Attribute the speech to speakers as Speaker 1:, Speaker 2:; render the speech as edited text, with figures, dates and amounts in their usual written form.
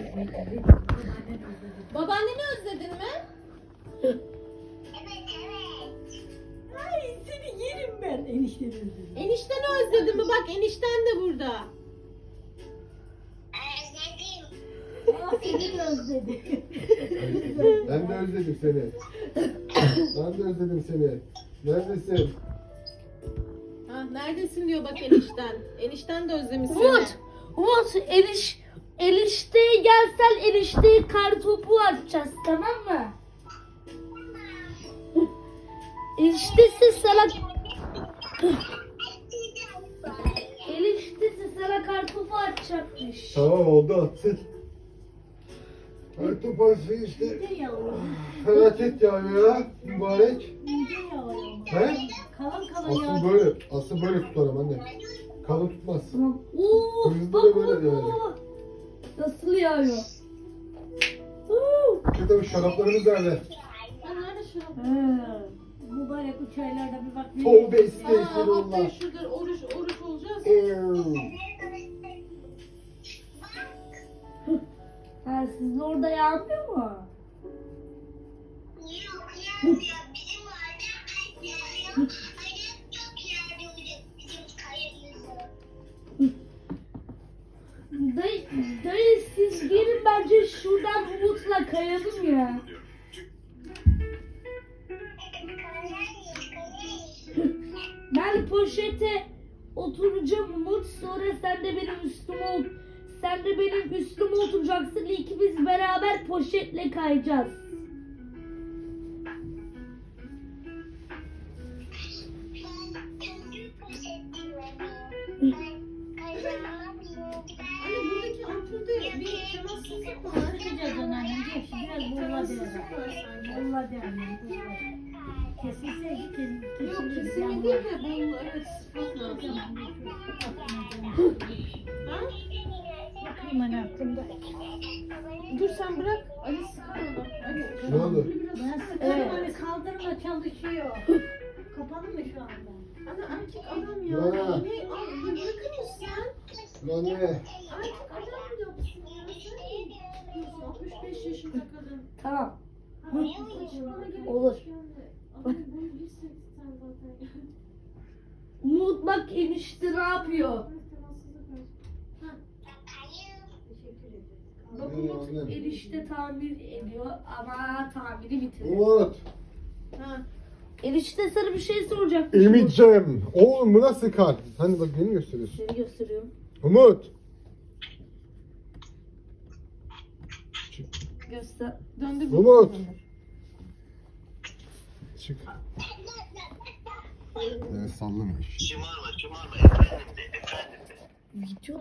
Speaker 1: Babaanneni özledin mi?
Speaker 2: Ay seni yerim ben enişteni özledim.
Speaker 1: Enişteni özledin mi? Bak enişten de burada.
Speaker 2: Aa seni de özledim.
Speaker 3: Ben de özledim seni. Ben de özledim seni. Neredesin?
Speaker 1: Ha, neredesin diyor bak enişten. Enişten de özlemiş seni.
Speaker 4: Umut enişteye gelsen enişteye kartopu atacağız, tamam mı? Eniştesi sana kartopu atacakmış.
Speaker 3: Tamam oldu atsın. Her toparsı işte.
Speaker 2: Ne yavrum?
Speaker 3: Felaket yağıyor ya. Mübarek.
Speaker 2: Ne yavrum?
Speaker 3: He?
Speaker 2: Kalın kalın
Speaker 3: Asıl
Speaker 2: yağ.
Speaker 3: böyle. Asıl böyle tutarım anne. Kalın tutmaz.
Speaker 4: Tamam. Oo,
Speaker 3: Hızlı
Speaker 4: bak
Speaker 3: da böyle
Speaker 4: bak
Speaker 3: yani.
Speaker 4: bak. Nasıl yağıyor?
Speaker 3: Şurada bir şaraplarımız nerede?
Speaker 1: Ha, nerede şu?
Speaker 2: Mübarek bu çaylarda bir bak.
Speaker 3: Tövbe
Speaker 1: Aa,
Speaker 3: estağfurullah.
Speaker 1: haftaya şurada oruç olacağız.
Speaker 4: Ha, sizin orada yağmıyor mu?
Speaker 5: Yok yağmıyor. Bizim orada yağıyor. Hayır çok yağıyor bizim kayımızı.
Speaker 4: Dayı siz gelin bence şuradan Umut'la kayalım ya. Ben poşete oturacağım Umut, sonra sen de benim üstüme oturacaksın. İkimiz beraber poşetle kayacağız.
Speaker 1: Anne buradaki ampulde bir temassızlık var.
Speaker 2: Çıkacağız anneannem. Gel şimdi biraz boğula
Speaker 1: Temassızlık
Speaker 2: derler.
Speaker 1: var sanki.
Speaker 2: Boğula derler. Kesilseydi
Speaker 1: Yok kesinlikle değil de bunu evet sıkmak lazım. Ha?
Speaker 2: Bakayım hani aklımda.
Speaker 1: Dur sen bırak. Ali sıkar onu. Ali,
Speaker 3: Ne oldu?
Speaker 2: Ben sıkarım hani kaldırma çalışıyor. Kapalı mı şu anda?
Speaker 1: Ana erkek adam ya.
Speaker 3: Ya.
Speaker 1: Ne? Al, bırakır mısın?
Speaker 3: Anne.
Speaker 1: Erkek adam mı yapsın ya? Sen mi yapıyorsun? 65 yaşında kadın.
Speaker 4: Tamam.
Speaker 1: Saçmalama gerek
Speaker 4: Olur.
Speaker 1: yok yani. Ama bunu hissettin sen zaten.
Speaker 4: Umut bak enişte ne yapıyor?
Speaker 1: Temassızlık var.
Speaker 4: Bak
Speaker 3: İyi,
Speaker 4: Umut
Speaker 3: annem.
Speaker 4: enişte tamir ediyor ama tamiri bitirdi.
Speaker 3: Umut.
Speaker 1: Ha.
Speaker 4: Enişte sana bir şey soracak.
Speaker 3: Emit'cim. Oğlum bu nasıl kar? Hani bak beni gösteriyorsun.
Speaker 4: Seni gösteriyorum.
Speaker 3: Umut.
Speaker 4: Göster.
Speaker 1: Döndür
Speaker 3: Umut. Çık. Evet sallama.
Speaker 5: Şımarma efendim de efendim de.
Speaker 4: Video